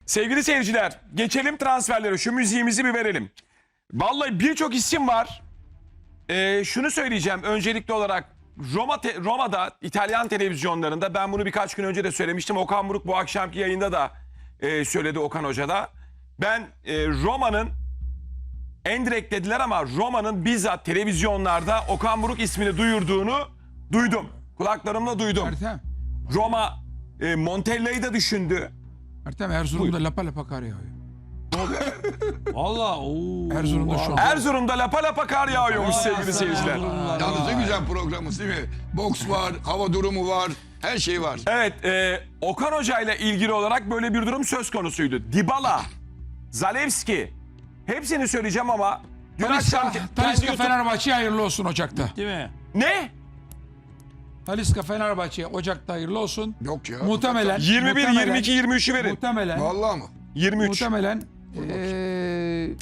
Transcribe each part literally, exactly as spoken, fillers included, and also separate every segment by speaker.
Speaker 1: Sevgili seyirciler, geçelim transferlere. Şu müziğimizi bir verelim. Vallahi birçok isim var. Ee, şunu söyleyeceğim öncelikli olarak. Roma te- Roma'da İtalyan televizyonlarında, ben bunu birkaç gün önce de söylemiştim. Okan Buruk bu akşamki yayında da e, söyledi, Okan Hoca da. Ben e, Roma'nın, en direkt dediler ama Roma'nın bizzat televizyonlarda Okan Buruk ismini duyurduğunu duydum. Kulaklarımla duydum.
Speaker 2: Ertem.
Speaker 1: Roma e, Montella'yı da düşündü.
Speaker 2: Ertem Erzurum'da lapa lapa kar yağıyor.
Speaker 3: Valla ooo.
Speaker 2: Erzurum'da şu an.
Speaker 1: Erzurum'da lapa lapa kar yağıyormuş sevgili seyirciler.
Speaker 4: Yalnız ne güzel programımız değil mi? Boks var, hava durumu var, her şey var.
Speaker 1: Evet, e, Okan Hoca ile ilgili olarak böyle bir durum söz konusuydu. Dybala, Zalewski, hepsini söyleyeceğim ama dün
Speaker 2: Talisca,
Speaker 1: akşam kendi
Speaker 2: Talisca
Speaker 1: YouTube-
Speaker 2: Fenerbahçe'ye hayırlı olsun Ocak'ta.
Speaker 3: Değil mi?
Speaker 1: Ne?
Speaker 2: Talisca Fenerbahçe'ye Ocak'ta hayırlı olsun.
Speaker 4: Yok ya.
Speaker 2: Muhtemelen.
Speaker 1: yirmi bir,
Speaker 2: muhtemelen-
Speaker 1: yirmi iki, yirmi üçü verin.
Speaker 2: Muhtemelen.
Speaker 4: Vallahi mı?
Speaker 1: yirmi üç.
Speaker 2: Muhtemelen. Eee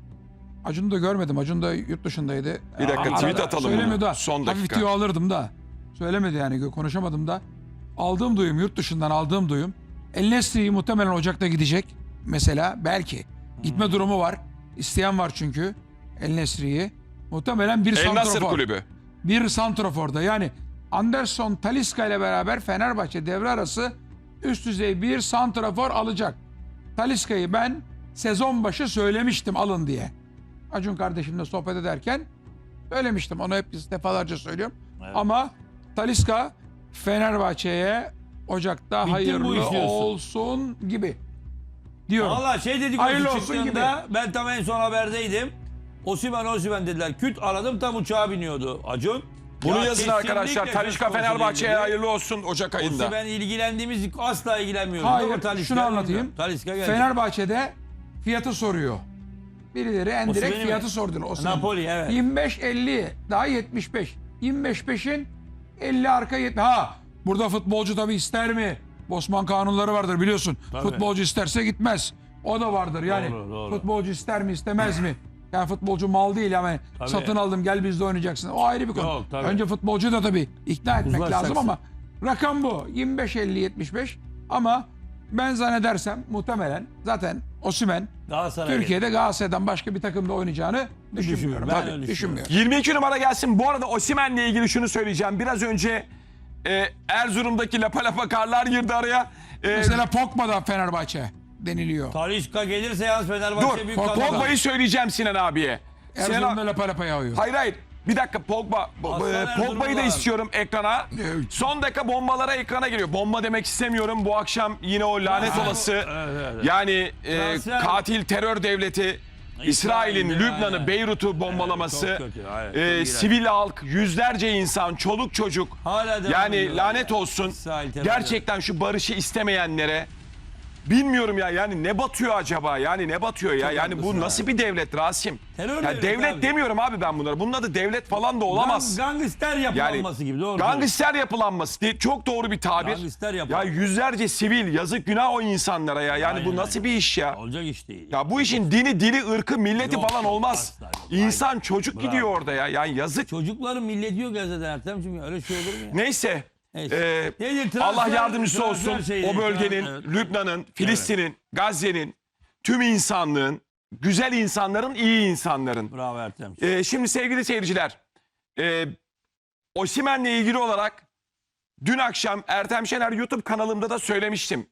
Speaker 2: Acun'u da görmedim. Acun da yurt dışındaydı.
Speaker 1: Bir dakika,
Speaker 2: Arada
Speaker 1: tweet atalım
Speaker 2: Söylemiyor
Speaker 1: bunu.
Speaker 2: da.
Speaker 1: Son
Speaker 2: Hafif
Speaker 1: dakika.
Speaker 2: tüyo alırdım da. Söylemedi yani, konuşamadım da. Aldığım duyum, yurt dışından aldığım duyum. El Nesri'yi muhtemelen Ocak'ta gidecek. Mesela belki. Gitme durumu var. İsteyen var çünkü. El Nesri'yi. Muhtemelen bir
Speaker 1: El Nasır
Speaker 2: santrafor.
Speaker 1: kulübü.
Speaker 2: Bir santraforda, yani Anderson Talisca ile beraber Fenerbahçe devre arası üst düzey bir santrafor alacak. Talisca'yı ben sezon başı söylemiştim alın diye. Acun kardeşimle sohbet ederken söylemiştim. Onu hep defalarca söylüyorum.
Speaker 3: Evet.
Speaker 2: Ama Talisca Fenerbahçe'ye Ocak'ta
Speaker 3: Bitti bu
Speaker 2: hayırlı
Speaker 3: iş diyorsun.
Speaker 2: olsun gibi diyorum.
Speaker 3: Valla şey dedik
Speaker 2: Hayırlı
Speaker 3: o
Speaker 2: olsun
Speaker 3: çıktığında ben tam en son haberdeydim. Osimhen Osimhen dediler. Küt aradım, tam uçağa biniyordu Acun.
Speaker 1: Bunu
Speaker 3: Ya
Speaker 1: yazın
Speaker 3: kesinlikle
Speaker 1: arkadaşlar.
Speaker 3: söz
Speaker 1: Talişka
Speaker 3: konusu
Speaker 1: Fenerbahçe'ye
Speaker 3: değil.
Speaker 1: hayırlı olsun Ocak ayında.
Speaker 3: Osimhen ilgilendiğimiz asla ilgilenmiyoruz.
Speaker 2: Hayır,
Speaker 3: Ama Talisca
Speaker 2: şunu anlatayım.
Speaker 3: Talisca geldi.
Speaker 2: Fenerbahçe'de fiyatı soruyor. Birileri en direkt
Speaker 3: Osimhen'i mi?
Speaker 2: fiyatı sordu. Osimhen.
Speaker 3: Napoli, evet.
Speaker 2: yirmi beş elli daha yetmiş beş. yirmi beş peşin elli arka yetmiş. Ha, burada futbolcu tabii ister mi? Bosman kanunları vardır biliyorsun.
Speaker 3: Tabii.
Speaker 2: Futbolcu isterse gitmez. O da vardır yani.
Speaker 3: Doğru, doğru.
Speaker 2: Futbolcu ister mi istemez mi? Yani futbolcu mal değil ama
Speaker 3: Tabii.
Speaker 2: satın aldım gel bizde oynayacaksın. O ayrı bir konu.
Speaker 3: Yok, tabii.
Speaker 2: Önce futbolcu da tabii ikna etmek
Speaker 3: Uzlaşacaksın.
Speaker 2: lazım ama rakam bu. yirmi beş elli yetmiş beş ama ben zannedersem muhtemelen zaten Osimhen
Speaker 3: Galatasaray
Speaker 2: Türkiye'de Galatasaray'dan başka bir takımda oynayacağını düşünmüyorum.
Speaker 3: Ben
Speaker 2: Tabii,
Speaker 3: öyle
Speaker 2: düşünmüyorum.
Speaker 1: yirmi iki numara gelsin. Bu arada Osimhen'le ilgili şunu söyleyeceğim. Biraz önce e, Erzurum'daki lapa lapa karlar girdi araya. E,
Speaker 2: Mesela Pogba da Fenerbahçe deniliyor.
Speaker 3: Talisca gelirse yalnız Fenerbahçe
Speaker 1: dur,
Speaker 3: büyük
Speaker 2: Pogba-
Speaker 3: kadro.
Speaker 1: Pogba'yı söyleyeceğim Sinan abiye. Sinan
Speaker 2: Erzurum'da
Speaker 1: abi-
Speaker 2: lapa lapa yağıyor.
Speaker 1: Hayır hayır. Bir dakika Pogba,
Speaker 3: Aslan
Speaker 1: e, Pogba'yı da
Speaker 3: Erzurumlular.
Speaker 1: istiyorum ekrana. Son dakika bombalara ekrana geliyor. Bomba demek istemiyorum. Bu akşam yine o lanet olası
Speaker 3: Evet, evet.
Speaker 1: yani e,
Speaker 3: Transfer-
Speaker 1: katil terör devleti İsrail'in
Speaker 3: İsrail'de,
Speaker 1: Lübnan'ı,
Speaker 3: aynen.
Speaker 1: Beyrut'u bombalaması,
Speaker 3: Evet, çok kötü, evet, çok
Speaker 1: e,
Speaker 3: iğrenç.
Speaker 1: sivil halk, yüzlerce insan, çoluk çocuk.
Speaker 3: Hala devam
Speaker 1: Yani
Speaker 3: ediyor.
Speaker 1: lanet olsun.
Speaker 3: İsrail terör
Speaker 1: Gerçekten şu barışı istemeyenlere bilmiyorum ya, yani ne batıyor acaba? Yani ne batıyor ya?
Speaker 3: Çok
Speaker 1: Yani bu
Speaker 3: haklısın
Speaker 1: nasıl
Speaker 3: abi.
Speaker 1: bir devlet Rasim?
Speaker 3: Terör
Speaker 1: Ya
Speaker 3: devlet
Speaker 1: devlet
Speaker 3: abi.
Speaker 1: demiyorum abi ben bunlara. Bunun adı devlet falan da olamaz.
Speaker 3: Gang- Gangster yapılanması gibi, doğru.
Speaker 1: Gangster yapılanması değil. Çok doğru bir tabir.
Speaker 3: Gangster
Speaker 1: Ya
Speaker 3: yapılanması.
Speaker 1: yüzlerce sivil, yazık günah o insanlara ya. Yani
Speaker 3: Aynen,
Speaker 1: bu nasıl
Speaker 3: aynen.
Speaker 1: bir iş ya?
Speaker 3: Olacak iş değil.
Speaker 1: Ya bu işin dini, dili, ırkı, milleti
Speaker 3: Yok,
Speaker 1: falan
Speaker 3: yok,
Speaker 1: olmaz.
Speaker 3: asla yok.
Speaker 1: İnsan,
Speaker 3: Aynen.
Speaker 1: çocuk
Speaker 3: Bravo.
Speaker 1: gidiyor orada ya. Yani yazık.
Speaker 3: Çocukların milleti yok ya zaten Ertem'cim, öyle şey olur mu ya?
Speaker 1: Neyse.
Speaker 3: Neyse.
Speaker 1: Ee,
Speaker 3: Nedir, transfer-
Speaker 1: Allah yardımcısı
Speaker 3: transfer
Speaker 1: olsun.
Speaker 3: şeyleri,
Speaker 1: O bölgenin,
Speaker 3: evet.
Speaker 1: Lübnan'ın, Filistin'in, Gazze'nin, tüm insanlığın, güzel insanların, iyi insanların.
Speaker 3: Bravo Ertem'cim.
Speaker 1: Ee, şimdi sevgili seyirciler, e, Osimhen'le ilgili olarak dün akşam Ertem Şener YouTube kanalımda da söylemiştim.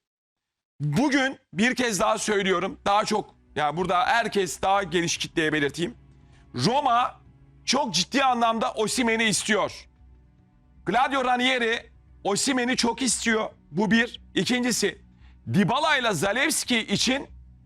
Speaker 1: Bugün bir kez daha söylüyorum. Daha çok, yani burada herkes daha geniş kitleye belirteyim. Roma çok ciddi anlamda Osimhen'i istiyor. Claudio Ranieri Osimhen'i çok istiyor. Bu bir. İkincisi, Dybala ile Zalewski için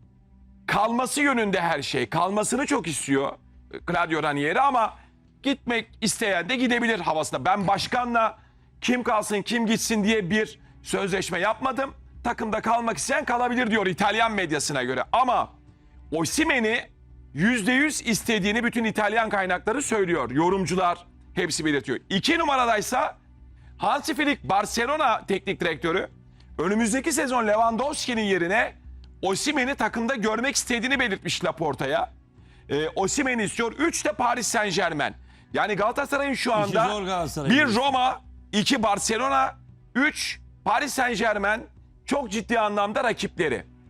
Speaker 1: kalması yönünde her şey. Kalmasını çok istiyor Claudio Ranieri ama gitmek isteyen de gidebilir havasında. Ben başkanla kim kalsın kim gitsin diye bir sözleşme yapmadım. Takımda kalmak isteyen kalabilir diyor İtalyan medyasına göre. Ama Osimhen'i yüzde yüz istediğini bütün İtalyan kaynakları söylüyor. Yorumcular hepsi belirtiyor. İki numaradaysa Hansi Flick, Barcelona teknik direktörü, önümüzdeki sezon Lewandowski'nin yerine Osimhen'i takımda görmek istediğini belirtmiş Laporta'ya. Ee, Osimhen'i istiyor. Üç de Paris Saint-Germain. Yani Galatasaray'ın şu
Speaker 3: zor
Speaker 1: anda
Speaker 3: Galatasaray
Speaker 1: bir
Speaker 3: gibi.
Speaker 1: Roma, iki Barcelona, üç Paris Saint-Germain çok ciddi anlamda rakipleri.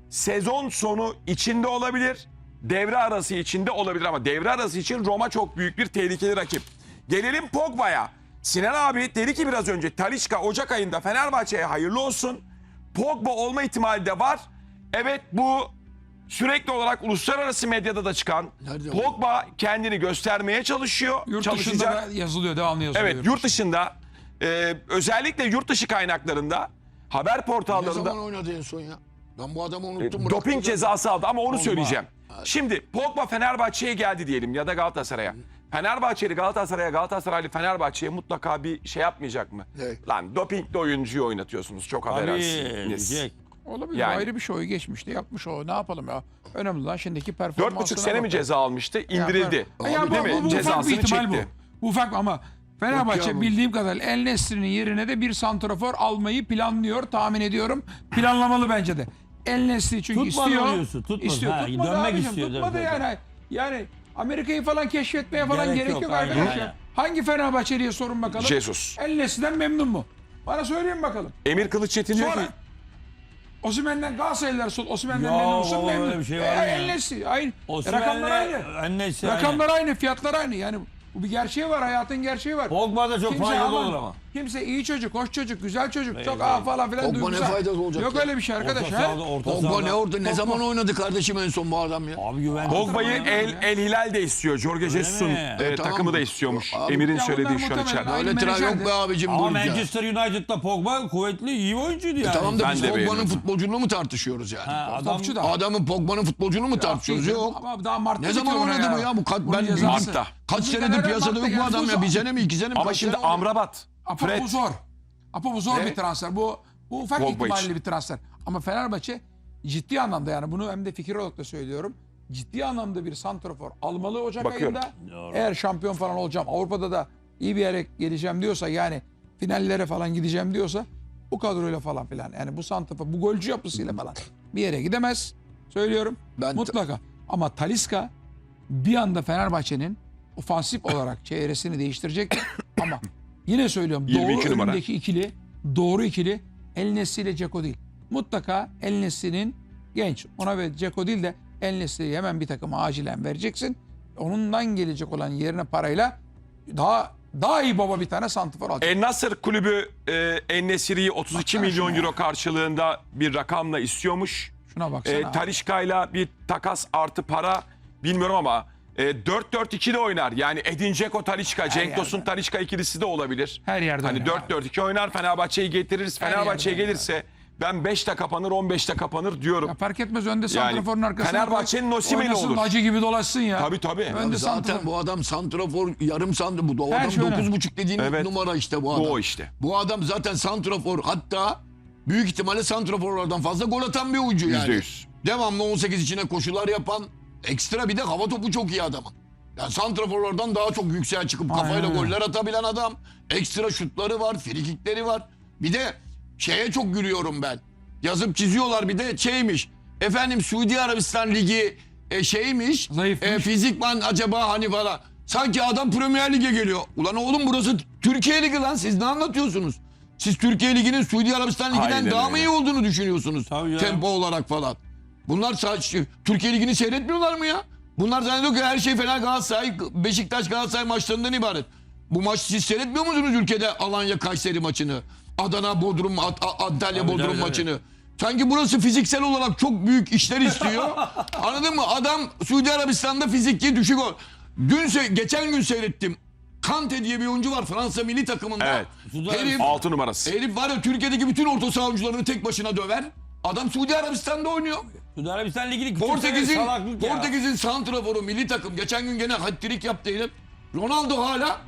Speaker 1: sezon sonu içinde olabilir. Devre arası içinde olabilir ama devre arası için Roma çok büyük bir tehlikeli rakip. Gelelim Pogba'ya. Sinan abi dedi ki biraz önce Talisca Ocak ayında Fenerbahçe'ye hayırlı olsun. Pogba olma ihtimali de var. Evet, bu sürekli olarak uluslararası medyada da çıkan
Speaker 4: Nerede
Speaker 1: Pogba kendini göstermeye çalışıyor.
Speaker 2: Yurt
Speaker 1: çalışacak.
Speaker 2: dışında da yazılıyor, devamlı yazılıyor.
Speaker 1: Evet, yurt dışında e, özellikle yurt dışı kaynaklarında haber
Speaker 4: Ne
Speaker 1: portallarında
Speaker 4: zaman oynadı en son ya? Ben bu adamı
Speaker 1: e,
Speaker 4: unuttum.
Speaker 1: doping
Speaker 4: bıraktım.
Speaker 1: cezası aldı ama onu
Speaker 3: Pogba.
Speaker 1: söyleyeceğim. Şimdi Pogba Fenerbahçe'ye geldi diyelim ya da Galatasaray'a. Fenerbahçeli Galatasaray'a, Galatasaraylı Fenerbahçe'ye mutlaka bir şey yapmayacak mı?
Speaker 4: Ne?
Speaker 1: Lan dopingli oyuncuyu oynatıyorsunuz, çok
Speaker 3: Tabii.
Speaker 1: affedersiniz.
Speaker 3: diyecek.
Speaker 2: Olabilir,
Speaker 1: Yani.
Speaker 2: ayrı bir şey, o geçmişti, yapmış o, ne yapalım ya. Önemli olan şimdiki performansına
Speaker 1: Dört buçuk sene mi
Speaker 2: bakalım.
Speaker 1: ceza almıştı? İndirildi.
Speaker 2: Ya, ya, bu,
Speaker 1: Değil mi?
Speaker 2: bu, bu ufak
Speaker 1: Cezasını
Speaker 2: bir ihtimal
Speaker 1: çekti.
Speaker 2: bu. Bu ufak ama Fenerbahçe
Speaker 4: Yok ya bu.
Speaker 2: bildiğim kadarıyla El Nesri'nin yerine de bir santrafor almayı planlıyor, tahmin ediyorum. Planlamalı bence de. El Nesri çünkü
Speaker 3: Tutmadı
Speaker 2: istiyor.
Speaker 3: diyorsun, tutmadı.
Speaker 2: İstiyor.
Speaker 3: Ha,
Speaker 2: tutmadı
Speaker 3: dönmek
Speaker 2: abicim,
Speaker 3: istiyor,
Speaker 2: Tutmadı
Speaker 3: dönmek.
Speaker 2: yani. Yani Amerika'yı falan keşfetmeye falan
Speaker 3: Gerek
Speaker 2: gerek,
Speaker 3: yok,
Speaker 2: yok,
Speaker 3: aynen,
Speaker 2: arkadaşlar.
Speaker 3: aynen.
Speaker 2: Hangi Fenerbahçeli'ye sorun bakalım.
Speaker 1: Jesus.
Speaker 2: El Nesri'den memnun mu? Bana söyleyin bakalım.
Speaker 1: Emir Kılıçetin diyor
Speaker 2: Sonra
Speaker 1: ki
Speaker 2: Osimhen'den Galatasaraylılar sol. Osimhen'den
Speaker 3: Ya
Speaker 2: memnun musun?
Speaker 3: baba,
Speaker 2: Memnun.
Speaker 3: öyle bir şey var
Speaker 2: E,
Speaker 3: mı ya?
Speaker 2: El Nesri aynı.
Speaker 3: Osimhen'le
Speaker 2: Rakamlar aynı.
Speaker 3: Ennesi
Speaker 2: Rakamlar aynı, fiyatlar aynı. Yani bu bir gerçeği var, hayatın gerçeği var.
Speaker 3: Pogba da çok
Speaker 2: Kimse
Speaker 3: faydalı
Speaker 2: aman,
Speaker 3: olur ama.
Speaker 2: Kimse iyi çocuk, hoş çocuk, güzel çocuk, çok
Speaker 3: değil.
Speaker 2: aa falan filan
Speaker 4: Pogba ne
Speaker 2: duygusal.
Speaker 4: faydası olacak
Speaker 2: Yok
Speaker 4: ya?
Speaker 2: öyle bir şey arkadaş.
Speaker 3: Orta
Speaker 2: ha?
Speaker 3: sahada, orta
Speaker 4: Pogba
Speaker 3: sahada.
Speaker 4: ne orada? Ne zaman oynadı kardeşim en son bu adam ya?
Speaker 3: Abi güven.
Speaker 1: Pogba'yı
Speaker 2: Antrenman
Speaker 1: El,
Speaker 2: yapıyor ya.
Speaker 1: El Hilal de istiyor. Jorge Jesus'un
Speaker 3: mi?
Speaker 1: e,
Speaker 4: E, tamam.
Speaker 1: takımı da istiyormuş.
Speaker 4: Abi,
Speaker 1: Emir'in
Speaker 2: ya
Speaker 1: söylediği
Speaker 2: bunlar
Speaker 1: şu an
Speaker 2: muhtemelen
Speaker 1: içeride.
Speaker 2: aynı
Speaker 4: Öyle tren yok
Speaker 2: menajerdi.
Speaker 4: be abicim
Speaker 3: Ama
Speaker 4: dur ya.
Speaker 3: Manchester United'da Pogba kuvvetli, iyi bir oyuncuydu yani.
Speaker 4: Tamam da
Speaker 1: Ben
Speaker 4: biz
Speaker 1: de
Speaker 4: Pogba'nın
Speaker 1: beğeniyorum.
Speaker 4: futbolculuğunu mu tartışıyoruz yani?
Speaker 3: Ha, adam
Speaker 2: Topçu da.
Speaker 4: Adamın Pogba'nın futbolculuğunu mu tartışıyoruz?
Speaker 2: Değil,
Speaker 4: Yok.
Speaker 2: Ama daha Mart'ta
Speaker 4: Ne zaman
Speaker 2: bitiyor
Speaker 4: oynadı
Speaker 2: ona
Speaker 4: bu ya? Bu kat,
Speaker 2: Bunun
Speaker 4: ben
Speaker 2: cezası.
Speaker 1: Mart'ta.
Speaker 4: kaç
Speaker 2: Bizim
Speaker 4: senedir
Speaker 2: Fener'e
Speaker 4: piyasada
Speaker 2: Mart'ta
Speaker 4: yok bu
Speaker 2: geldi.
Speaker 4: adam ya.
Speaker 2: Bu
Speaker 4: Bir
Speaker 2: zor.
Speaker 4: sene mi iki sene mi?
Speaker 1: Ama
Speaker 4: Kaç
Speaker 1: şimdi
Speaker 4: sene oldu?
Speaker 1: Amrabat,
Speaker 2: Apo
Speaker 1: Fred,
Speaker 2: bu zor. Apo bu zor
Speaker 4: Ne?
Speaker 2: bir transfer. Bu, bu ufak
Speaker 1: Pogba
Speaker 2: ihtimalli
Speaker 1: için.
Speaker 2: bir transfer. Ama Fenerbahçe ciddi anlamda, yani bunu hem de fikir olarak da söylüyorum. Ciddi anlamda bir santrafor almalı Ocak
Speaker 1: Bakıyorum.
Speaker 2: ayında. Eğer şampiyon falan olacağım, Avrupa'da da iyi bir yere geleceğim diyorsa, yani finallere falan gideceğim diyorsa, bu kadroyla falan filan, yani bu santrafor, bu golcü yapısıyla falan bir yere gidemez. Söylüyorum.
Speaker 4: Ben-
Speaker 2: Mutlaka. Ama Talisca bir anda Fenerbahçe'nin ofansif olarak çevresini değiştirecektir. Ama yine söylüyorum,
Speaker 1: yirmi iki
Speaker 2: doğru
Speaker 1: numara.
Speaker 2: önündeki ikili, doğru ikili El Nesri ile Dzeko değil. Mutlaka El Nesri'nin genç, ona ve Dzeko değil de El Nesri'yi hemen bir takıma acilen vereceksin. Onundan gelecek olan yerine parayla daha daha iyi baba bir tane santifor alacak.
Speaker 1: El Nasır kulübü e, En-Nesyri'yi otuz iki
Speaker 2: Baksana
Speaker 1: milyon
Speaker 2: şuna
Speaker 1: euro
Speaker 2: ya.
Speaker 1: karşılığında bir rakamla istiyormuş.
Speaker 2: Şuna baksana.
Speaker 1: E, Talisca'yla bir takas artı para bilmiyorum ama e, dört dört iki de oynar. Yani Edin Dzeko, Talisca, Cenk
Speaker 2: yerde.
Speaker 1: Tosun, Talisca ikilisi de olabilir.
Speaker 2: Her yerde
Speaker 1: Hani
Speaker 2: oynar
Speaker 1: dört dört iki oynar, Fenerbahçe'yi getiririz.
Speaker 2: Her
Speaker 1: Fenerbahçe'ye
Speaker 2: yerde
Speaker 1: gelirse ben beşte kapanır, on beşte kapanır diyorum.
Speaker 2: Ya fark etmez, önde santraforun arkasına.
Speaker 1: Fenerbahçe'nin
Speaker 2: koy,
Speaker 1: Osimhen'i
Speaker 2: oynasın,
Speaker 1: olur.
Speaker 2: Hacı gibi dolaşsın ya.
Speaker 1: Tabii tabii.
Speaker 2: Önde
Speaker 4: Zaten
Speaker 2: santrafor.
Speaker 4: bu adam santrafor, yarım santrafor. Bu
Speaker 2: Her
Speaker 4: adam
Speaker 2: şey öyle.
Speaker 4: dokuz buçuk dediğin
Speaker 1: Evet.
Speaker 4: numara işte bu adam.
Speaker 1: Bu o işte.
Speaker 4: Bu adam zaten santrafor, hatta büyük ihtimalle santraforlardan fazla gol atan bir oyuncu yani.
Speaker 1: Yüzde yüz.
Speaker 4: Devamlı on sekiz içine koşular yapan, ekstra bir de hava topu çok iyi adamın. Yani santraforlardan daha çok yükseğe çıkıp
Speaker 2: Aynen
Speaker 4: kafayla
Speaker 2: öyle.
Speaker 4: goller atabilen adam. Ekstra şutları var, frikikleri var. Bir de şeye çok gülüyorum ben. Yazıp çiziyorlar, bir de şeymiş. Efendim Suudi Arabistan Ligi e, şeymiş.
Speaker 2: Zayıfmış.
Speaker 4: E, fizikman acaba hani falan. Sanki adam Premier Lig'e geliyor. Ulan oğlum burası Türkiye Ligi lan, siz ne anlatıyorsunuz? Siz Türkiye Ligi'nin Suudi Arabistan Ligi'den
Speaker 1: Aynen
Speaker 4: daha mı
Speaker 1: öyle.
Speaker 4: iyi olduğunu düşünüyorsunuz?
Speaker 3: Tabii canım.
Speaker 4: Tempo olarak falan. Bunlar sadece Türkiye Ligi'ni seyretmiyorlar mı ya? Bunlar zannediyor ki her şey Fener Galatasaray, Beşiktaş Galatasaray maçlarından ibaret. Bu maçı siz seyretmiyor musunuz ülkede Alanya Kayseri maçını? Adana Bodrum, Ad- A- Antalya
Speaker 3: Tabii,
Speaker 4: Bodrum
Speaker 3: tabii,
Speaker 4: maçını. Sanki burası fiziksel olarak çok büyük işler istiyor. Anladın mı? Adam Suudi Arabistan'da fizikli düşük ol. Dün se- geçen gün seyrettim. Kante diye bir oyuncu var Fransa milli takımında.
Speaker 1: Evet.
Speaker 3: Suudi
Speaker 4: Herif,
Speaker 1: Altı numarası.
Speaker 4: herif var ya Türkiye'deki bütün orta saha oyuncularını tek başına döver. Adam Suudi Arabistan'da oynuyor.
Speaker 3: Suudi Arabistan Ligi'ni küçük
Speaker 4: Portekiz'in
Speaker 3: salaklık ya.
Speaker 4: Portekiz'in santraforu milli takım geçen gün gene hat-trick yaptı herif. Ronaldo hala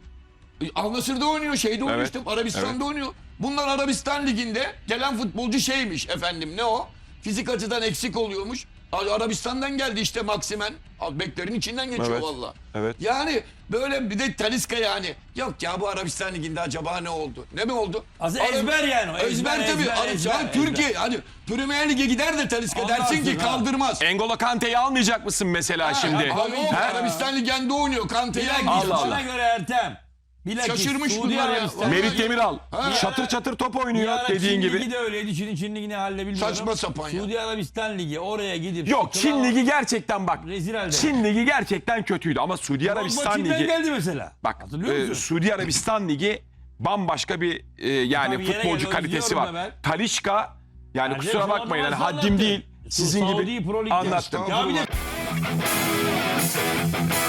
Speaker 4: e, Al Nassr'da oynuyor, şeyde oynuyor
Speaker 1: Evet,
Speaker 4: işte Arabistan'da
Speaker 1: evet.
Speaker 4: oynuyor. Bunlar Arabistan liginde gelen futbolcu şeymiş efendim, ne o? Fizik açıdan eksik oluyormuş. Arabistan'dan geldi işte Maximen. Beklerin içinden geçiyor
Speaker 1: Evet,
Speaker 4: valla.
Speaker 1: evet.
Speaker 4: Yani böyle bir de Talisca yani. Yok ya bu Arabistan liginde acaba ne oldu? Ne mi oldu?
Speaker 3: Aslında
Speaker 4: Arab-
Speaker 3: ezber yani o,
Speaker 4: Ezber,
Speaker 3: ezber,
Speaker 4: tabii.
Speaker 3: ezber,
Speaker 4: Arab-
Speaker 3: ezber,
Speaker 4: yani
Speaker 3: ezber.
Speaker 4: Türkiye hani Premier Lig'e gider de Talisca
Speaker 3: Ondan
Speaker 4: dersin ki
Speaker 3: sonra-
Speaker 4: kaldırmaz.
Speaker 1: Engolo Kante'yi almayacak mısın mesela şimdi?
Speaker 4: Abi o
Speaker 1: He?
Speaker 4: Arabistan Ligi'nde oynuyor. Kante'yi
Speaker 3: Bir dakika,
Speaker 1: Allah
Speaker 4: almayacak.
Speaker 1: Allah.
Speaker 3: bana göre Ertem Bilakis
Speaker 4: Şaşırmış
Speaker 3: Suudi
Speaker 4: bunlar ya.
Speaker 3: Arabistan-
Speaker 1: Merit Demiral
Speaker 4: Ha.
Speaker 1: çatır çatır top
Speaker 3: Bir
Speaker 1: oynuyor
Speaker 3: ara
Speaker 1: dediğin
Speaker 3: Çin
Speaker 1: gibi.
Speaker 3: Ligi de öyleydi. Çin'in Çin Ligi ne haline bilmiyorum.
Speaker 4: Saçma sapan ya.
Speaker 3: Suudi Arabistan Ligi oraya gidip.
Speaker 1: Yok
Speaker 3: sıkılan-
Speaker 1: Çin Ligi gerçekten bak.
Speaker 3: Rezil halde.
Speaker 1: Çin Ligi gerçekten kötüydü ama Suudi
Speaker 3: Bak,
Speaker 1: Arabistan
Speaker 3: Çin'den
Speaker 1: Ligi.
Speaker 3: geldi mesela.
Speaker 1: Bak
Speaker 3: Hatırlıyor
Speaker 1: e,
Speaker 3: musun?
Speaker 1: Suudi Arabistan Ligi bambaşka bir e, yani
Speaker 3: Tabii yere
Speaker 1: futbolcu
Speaker 3: geldi,
Speaker 1: kalitesi
Speaker 3: özlüyorum
Speaker 1: var.
Speaker 3: da ben.
Speaker 1: Talişka yani
Speaker 3: Yani
Speaker 1: kusura
Speaker 3: şu
Speaker 1: bakmayın yani
Speaker 3: adamı
Speaker 1: haddim
Speaker 3: anlattı.
Speaker 1: değil. Sizin
Speaker 3: Saudi
Speaker 1: gibi
Speaker 3: Pro Lig'de.
Speaker 1: anlattım.
Speaker 3: Ya bir de